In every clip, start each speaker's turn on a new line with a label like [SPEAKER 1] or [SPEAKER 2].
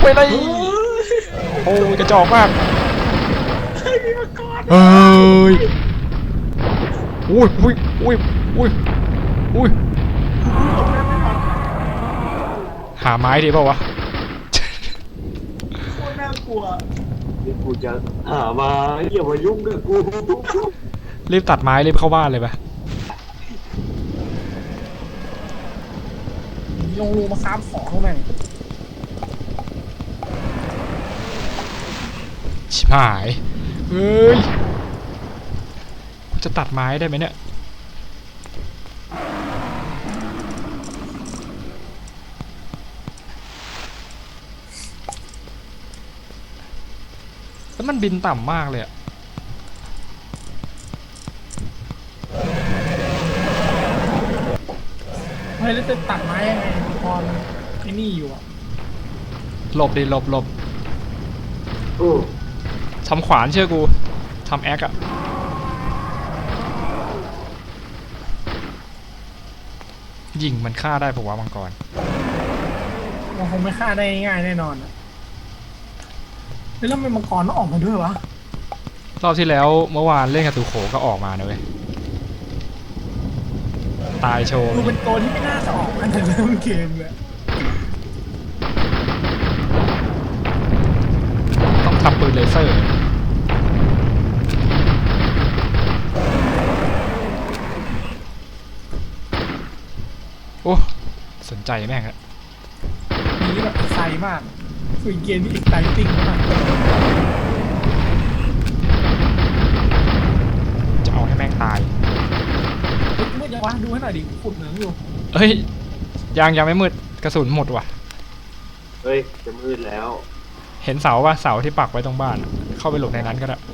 [SPEAKER 1] ไปเลยโอ้ยกระจอกมากเฮ้ยอุ้ยอุ้ยอุ้ยอุ้ยอุ้ยหาไม้ดีเปล่าวะ
[SPEAKER 2] โคตรน่ากลัว
[SPEAKER 3] นี่กูจะหามาอย่ามายุ่งกับกู
[SPEAKER 1] รีบตัดไม้รีบเข้าบ้านเลยปะ
[SPEAKER 2] ลงรูมาค้าของแม่ง
[SPEAKER 1] ชิบหายเฮ้ยจะตัดไม้ได้ไหมเนี่ยแล้วมันบินต่ำมากเลยอะ
[SPEAKER 2] เฮ้ยแล้วจะตัดไม้ยังไงพอไอ้นี่อยู่อ่ะ
[SPEAKER 1] หลบดิหลบหลบ
[SPEAKER 3] โอ้
[SPEAKER 1] ทำขวานเชื่อกูทำแอคอะยิงมันฆ่าได้ปะวะมังกร
[SPEAKER 2] มันคงไม่ฆ่าได้ง่ายแน่นอนอ่ะแล้วมันมังกรต้องออกมาด้วยวะ
[SPEAKER 1] รอบที่แล้วเมื่อวานเล่นกับตูโขก็ออกมานะเว้ยตายโชว์
[SPEAKER 2] ดูเป็นตัวที่ไม่น่าจะออกมาแต่เริ่มเกมเลย
[SPEAKER 1] ต้องทำปืนเลเซอร์โอ้สนใจแม่งอะ
[SPEAKER 2] นี้แบบไซมากคือเกมที่อีกไซติ้งมาก
[SPEAKER 1] จะเอาให้แม่งตาย
[SPEAKER 2] เฮ้ยมืดยังวะดูให้หน่อยดิขุดเหมืองอยู่
[SPEAKER 1] เฮ้ยยังไม่มืดกระสุนหมดว่ะ
[SPEAKER 3] เฮ้ยจะมืดแล้ว
[SPEAKER 1] เห็นเสาป่ะเสาที่ปักไว้ตรงบ้านอะเข้าไปหลบในนั้นก็ได้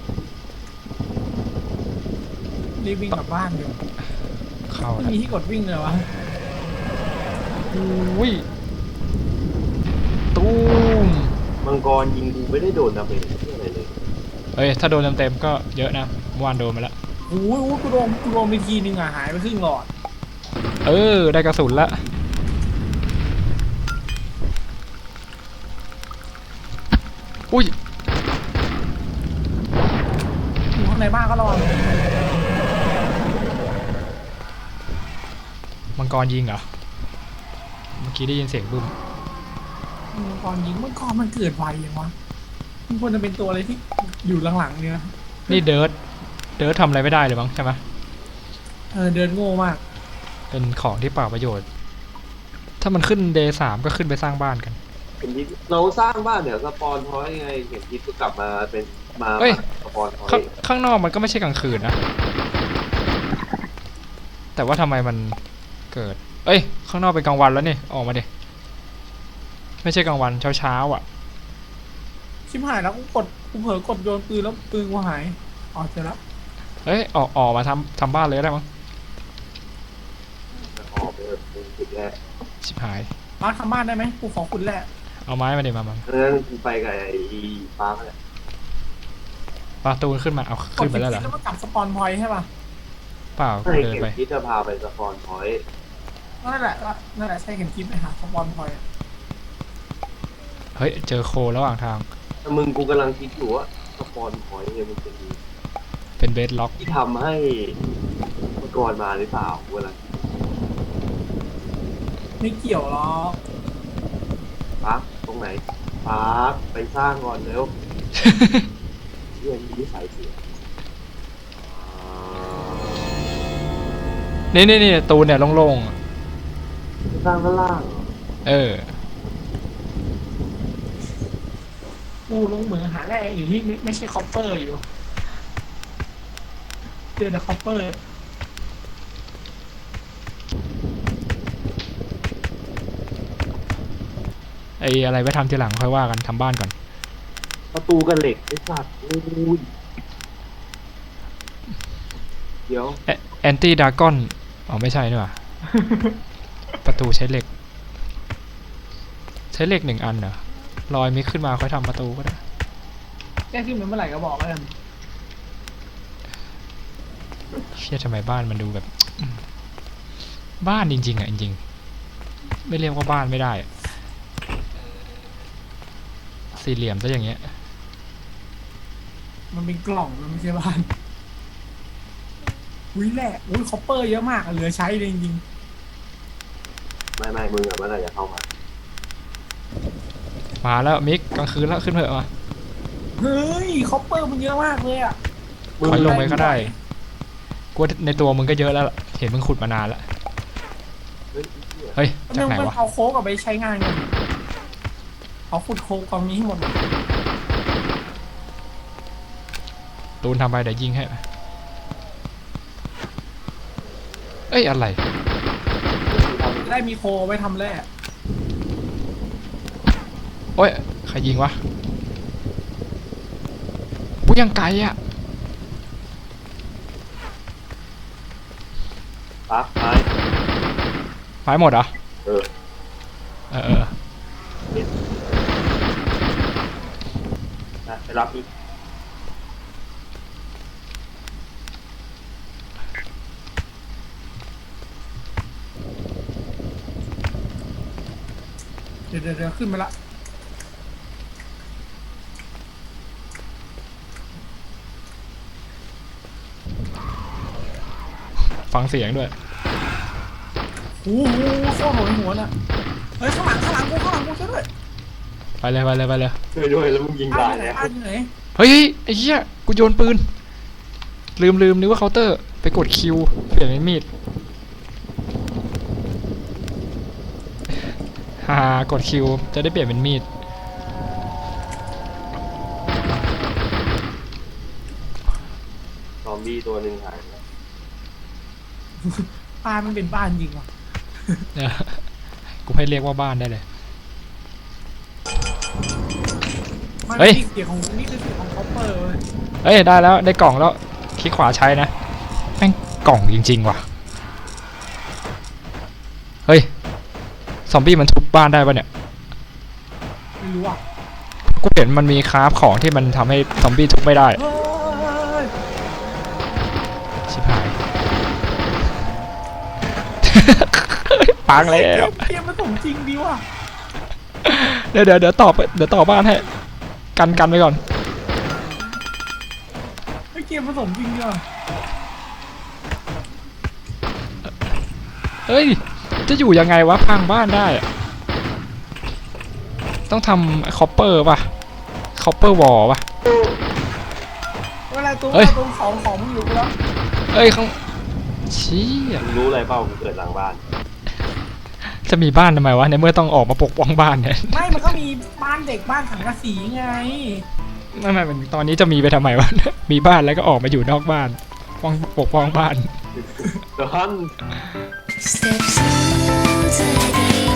[SPEAKER 2] รีบวิ่งกลับบ้านอยู่
[SPEAKER 1] เข้า
[SPEAKER 2] ไม่
[SPEAKER 1] แล้ว
[SPEAKER 2] มีที่กดวิ่งเลยวะ
[SPEAKER 1] อุ้ยตูม
[SPEAKER 3] มังกรยิงกูไม่ได้โดนดาเมจอะไรเลย
[SPEAKER 1] เฮ้ยถ้าโดนเต็มๆก็เยอะนะเมื่อวานโดนมาแล้ว
[SPEAKER 2] โอ้ยกูโดนไปทีนึงอ่ะหายไปครึ่งหลอด
[SPEAKER 1] เออได้กระสุนละอุ้ย
[SPEAKER 2] อยู่ข้างในบ้านก็ระวัง
[SPEAKER 1] มังกรยิงเหรอเมื่อกี้ได้ยินเสียงบึ้ม
[SPEAKER 2] มังกรยิงมังกรมันเกิดไวอย่างวะมันควรจะเป็นตัวอะไรที่อยู่หลังๆเนี่ยนะ
[SPEAKER 1] นี่เดิร์ททำอะไรไม่ได้เลยมั้งใช่ไหม
[SPEAKER 2] เดินโง่มาก
[SPEAKER 1] เป็นของที่เปล่าประโยชน์ ถ้ามันขึ้นเดย์3ก็ขึ้นไปสร้างบ้านกัน
[SPEAKER 3] เห็นยิปเราสร้างบ้านเดี๋ยวสปอนพอยต์ไงเห็นยิปก็กลับมาเป็นมา
[SPEAKER 1] เฮ้ย
[SPEAKER 3] สปอนพอย
[SPEAKER 1] ข้าง
[SPEAKER 3] ต์
[SPEAKER 1] ข้างนอกมันก็ไม่ใช่กลางคืนนะ แต่ว่าทำไมมันเกิด เอ้ย ข้างนอกเป็นกลางวันแล้วนี่ ออกมาดิ ไม่ใช่กลางวันเช้าอ่ะ
[SPEAKER 2] ชิบหายแล้วกูเผลอกดโยนปืนแล้วปืนกูหายอ๋อเจอแล้ว
[SPEAKER 1] เอ้ย ออกมาทำบ้านเลยก็ได้มั้ง
[SPEAKER 3] ออกไปเป็นจุดแรก
[SPEAKER 1] ชิบหาย
[SPEAKER 2] มาทำบ้านได้ไหมกูขอคุณแหละ
[SPEAKER 1] เอาไม้มาดิมา
[SPEAKER 3] เพราะฉะนั้นกูไปกับไอ้ฟ้าแหละ
[SPEAKER 1] ปลาตูนขึ้นมา เอา
[SPEAKER 2] ก
[SPEAKER 1] ขึ้
[SPEAKER 2] ด
[SPEAKER 1] นไป
[SPEAKER 2] ไป
[SPEAKER 1] แล้วเหรอ
[SPEAKER 2] แล้วมันกลับสปอนพอยต์ใช่ป่ะ
[SPEAKER 1] เปล่า
[SPEAKER 3] ให้
[SPEAKER 1] เดิน
[SPEAKER 3] เก็บ
[SPEAKER 1] ไป
[SPEAKER 3] ยิปจะพาไปสปอนพอยต์
[SPEAKER 2] นั่นแหละใช่เห็นคลิปเลยค่ะสปอนพอยต์
[SPEAKER 1] เฮ้ย เจอโคระหว่างทาง
[SPEAKER 3] แต่มึงกูกำลังคิดอยู่ว่าสปอนพอยต์เนี่ยมันเป็น
[SPEAKER 1] เป็นเบสล็อก
[SPEAKER 3] ที่ทำให้มังกรมาหรือเปล่ากูกำลังคิด
[SPEAKER 2] ไม่เกี่ยวหรอก
[SPEAKER 3] ปักตรงไหนปักไปสร้างก่อนเร็ว เรื่องนี้สายเสีย
[SPEAKER 1] นี่ตูนเนี่ยโล่งๆอะ
[SPEAKER 3] สร้างข้างล่างเหรอ
[SPEAKER 1] เออ
[SPEAKER 2] กูลงเหมืองหาแร่อยู่ที่ไม่ใช่คอปเปอร์อยู่เจอแต่คอปเปอร์
[SPEAKER 1] ไอ้อะไรไว้ทำทีหลังค่อยว่ากันทำบ้านก่อน
[SPEAKER 3] ประตูกันเหล็กไอ้สัตว์อุ้ยเดี๋ยว
[SPEAKER 1] แอนตี้ดากอนอ๋อไม่ใช่นี่หว่า ประตูใช้เหล็ก ใช้เหล็ก1 อันเหรอลอยมิกขึ้นมาค่อยทำประตูก็ได้
[SPEAKER 2] แก้ขึ้นมาเมื่อไหร่ก็บอกแล้วกัน
[SPEAKER 1] เชี่ยทำไมบ้านมันดูแบบ บ้านจริงๆอ่ะจริงๆไม่เรียกว่าบ้านไม่ได้อะสี่เหลี่ยมซะอย่างเงี้ย
[SPEAKER 2] มันเป็นกล่องมันไม่ใช่บ้านอุ้ยแหละอุ้ยคอปเปอร์เยอะมากอะเหลือใช้เลยจริง
[SPEAKER 3] ไม่มึงอะเมื่อไหร่จะเข้ามา
[SPEAKER 1] มาแล้วมิกกลางคืนแล้วขึ้นเถอะมา
[SPEAKER 2] ๆเฮ้ยคอปเปอร์มันเยอะมากเลยอะ
[SPEAKER 1] ถอยลงไปก็ได้กูว่าในตัวมึงก็เยอะแล้วล่ะเห็นมึงขุดมานานแล้ว
[SPEAKER 3] เฮ้ยไอ้เหี้ย
[SPEAKER 1] เฮ้ยจากไหน
[SPEAKER 2] มัน
[SPEAKER 1] วะ
[SPEAKER 2] เอาโค้กเอาไปใช้งานกันเอาขุดโค้กกองนี้ให้หมดเลย
[SPEAKER 1] ตูนทำไปเดี๋ยวยิงให้เอ้ยอะไร
[SPEAKER 2] จะได้มีโคไว้ทำแร่
[SPEAKER 1] โอ้ยใครยิงวะกูยังไกลอ่ะ
[SPEAKER 3] ปั๊บไป
[SPEAKER 1] ไม้หมดเหรอ
[SPEAKER 3] เออ
[SPEAKER 1] เออ
[SPEAKER 3] ไปรับอีก
[SPEAKER 2] เดี๋ยวขึ้นมาละ
[SPEAKER 1] ฟังเสียงด้วย
[SPEAKER 2] โอ้โหโคตรโหดหัวน่ะเฮ้ยข้างหลังกูช่วยด้วย
[SPEAKER 1] ไปเลยไปเลยไปเลย
[SPEAKER 3] ช่วยด้วยแล้วมึงยิง
[SPEAKER 2] บ้า
[SPEAKER 3] ตาน ย
[SPEAKER 2] อยู่ไหน
[SPEAKER 3] แล้ว
[SPEAKER 2] บ้านอยู่ไหน
[SPEAKER 1] เฮ้ยไอ้เหี้ยกูโยนปืนลืมนึกว่าเคาน์เตอร์ไปกดคิวเปลี่ยนเป็นมีดฮ่ากดคิวจะได้เปลี่ยนเป็นมีด
[SPEAKER 3] ซอมบี้ตัวหนึ่งหายไป
[SPEAKER 2] บ้านมันเป็นบ้านจริงว่ะ
[SPEAKER 1] เนี่ยกูให้เรียกว่าบ้านได้เลย
[SPEAKER 2] มัน
[SPEAKER 1] เฮ้ย
[SPEAKER 2] นี่เสียงของนี่คือเสียงของคอปเปอร์เลย
[SPEAKER 1] เอ้ยได้แล้วได้กล่องแล้วคลิกขวาใช้นะแม่งกล่องจริงๆว่ะเฮ้ยซอมบี้มันทุบบ้านได้ปะเนี่ย
[SPEAKER 2] ไม่รู้อ่ะ
[SPEAKER 1] กูเห็นมันมีคราฟของที่มันทำให้ซอมบี้ทุบไม่ได้
[SPEAKER 2] เฮ้ย
[SPEAKER 1] ชิบหาย ปังแล้ว
[SPEAKER 2] เกมมันสมจริงดีว่ะ
[SPEAKER 1] เดี๋ยวต่อบ้านให้กันไปก่อน
[SPEAKER 2] เฮ้ยเกมมันสมจริงดีว่ะ
[SPEAKER 1] เฮ้ยจะอยู่ยังไงวะพังบ้านได้อะต้องทำคอปเปอร์ป่ะคอปเปอร์วอลป่ะ
[SPEAKER 2] เวลาตัว
[SPEAKER 1] เฮ้ย
[SPEAKER 2] ตัวของมึงอยู่กูแล้ว
[SPEAKER 1] เอ้ยข้างชี้ย
[SPEAKER 3] มึงรู้อะไรเปล่ากูเกิดหลังบ้าน
[SPEAKER 1] จะมีบ้านทำไมวะในเมื่อต้องออกมาปกป้องบ้านเนี่ย
[SPEAKER 2] ไม่มันก็มีบ้านเด็กบ้านสังกะสีไง
[SPEAKER 1] ไม่มันตอนนี้จะมีไปทำไมวะ มีบ้านแล้วก็ออกมาอยู่นอกบ้านปกป้องบ้าน
[SPEAKER 3] ดอน
[SPEAKER 4] Steps into the